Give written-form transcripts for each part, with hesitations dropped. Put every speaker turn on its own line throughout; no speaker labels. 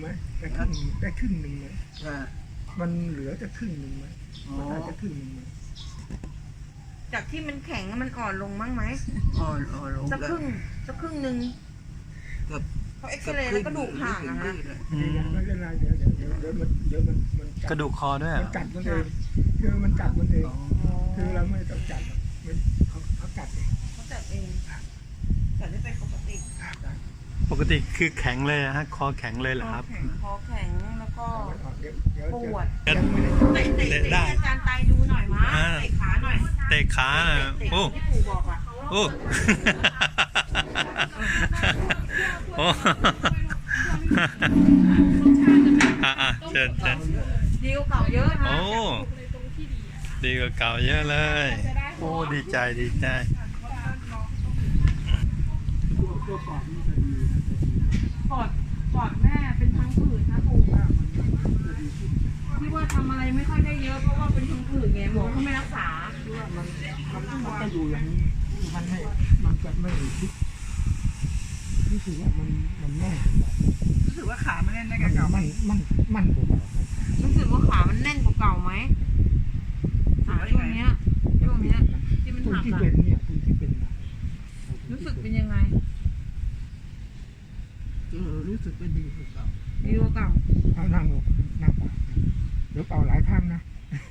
ไหมได้ครึ่งหนึ่งไหมมันเหลือจะครึ่งหนึ่งไหมอาจจะครึ่งหนึ่งไหม
จากที่มันแข็งมันอ่อนลงมั้งไหม
อ่อนลง
สักครึ่งหนึ่งเขาเอ็กซเรย์แล้วก็ดูห่างอะฮะ
ไม่เป็นไรเดี๋ยวมัน
กระดูกคอด้วย
มันกัดมันเองคือมันกัดมันเองคือเราไม่ต้องจัดเขากัดเอง
เขาจัดเองจัดได้เป็นปกติ
ปกติคือแข็งเลยฮะคอแข็งเลยเหรอครับ
คอแข็งแล้วก็ปวด
เตะได้
อาจารย์ไตดูหน่อยมั้ยเตะขาหน่อย
เตะขาโอ้
ที่ปู่บอกอะ
โอ้โอ้เชิญ
ดีกว่าเก่าเยอะนะ
โอ้ดีกว่าเก่าเยอะเลยโอ้ดีใจ
ปอดแม่เป็นพังผืดนะปู่ที่ว่าทำอะไรไม่ค่อยได้เยอะเพราะว่าเป็นพังผืดไงหมอเขาไม่รักษา
มันจะอยู่อย่างนี้มันจะไม่คิดรู้สึกว่ามันแน่น
รู้สึกว่าขามันแน่นได้กับเก่า
มันกว่าเก่า
รู้สึกว่าขามันแน่นกว่าเก่าไหมช่วงเนี้ยที่มันหัก
ที่เป็นเนี่ยคุณที่เป็น
รู้สึกเป็นยังไง
รู้สึกเป็นดีกว่าเก่า
ดีกว่าเก่า
เอานั่งเปล่าเดี๋ยวเป่าหลายครั้งนะ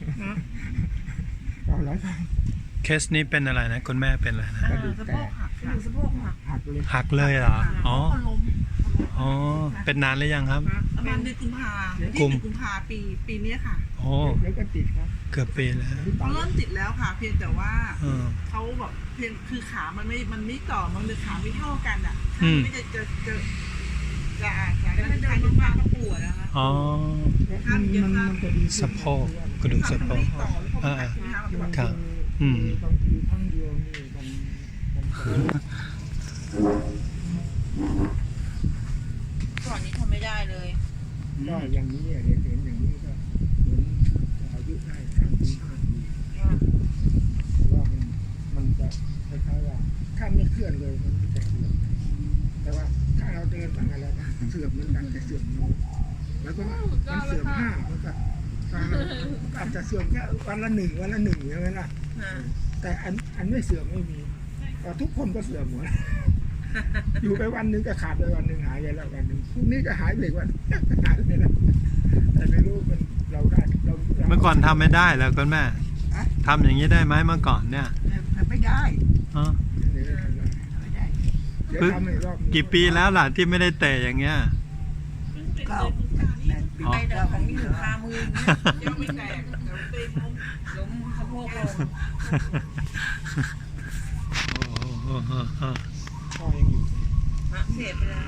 เป่าหลายครั้ง
เคสนี้เป็นอะไรนะคุณแม่เป็นอะไรนะ
สะโพก
หักเลยเหรออ๋อเป็นนานหรือยังครับ
ประมาณเดือนกุมภาปีนี้ค่ะ
โอ้
แล้วก็ติดครับ
เกือบปีแล้ว
เขาเริ่มติดแล้วค่ะเพียงแต่ว่าเขาแบบเพียงคือขามันไม่ต่อมันเลยขาไม่เท่ากันอ่ะไม่จะเดินมากก็ปวดนะคะ
อ๋อ
มันจะดี
สะโพกกระดูกสะโพก
ครับ
บางทีทั้
งเดียวนี่
ก่อนนี้ทำไม่ได้เลย
ก็อย่างนี้เห็นอย่างนี้ก็เหมือนอายุได้3 ปี 5 ปีว่ามันจะคล้ายๆว่าถ้าไม่เคลื่อนเลยมันจะเสื่อมแต่ว่าถ้าเราเดินอะไรนะเสื่อมเหมือนกันแต่เสื่อมน้อยแล้วก็มันเสื่อม5มันก็อาจจะเสื่อมแค่วันละ 1ใช่ไหมล่ะแต่อันไม่เสื่อมไม่มีทุกคนก็เสื่อมหมดอยู่ไปวันนึงก็ขาดไปวันนึงหายไปแล้ววันนึงพรุ่งนี้ก็หายไปวันหายไปแล้วแต่ไม่รู้มันเราได้
เมื่อก่อนทำไม่ได้แล้วคุณแม่ทำอย่างนี้ได้ไหมเมื่อก่อนเนี่ย
ไม่ได้
กี่ปีแล้วล่ะที่ไม่ได้เตะอย่างเงี้ย
ไปเดินของอยู่คามือยังไม่แตกล้มสะโพกลง
พ่อยังอยู่
เสียไปแล้ว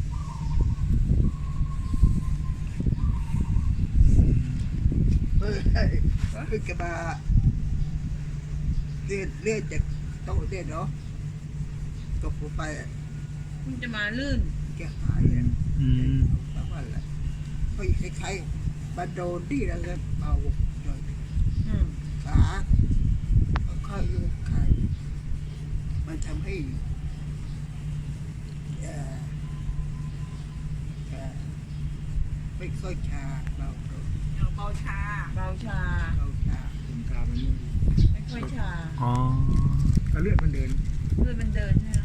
คือกระบะเลื่อนจากโต๊ะเต้นเนาะตกลงไป
คุณจะมาลื่น
แกหายเลยแล้วว่าอะไรก็คล้ายๆมาโดนที่แล้วก็เอาหน่อยขาค่อยๆยกขามันทำให้ไม่ค่อยชาเบาชา
คุณตามัน
ไม่ค่อยชา
อ๋อ
เลือดมันเดิน
ใช่ไหม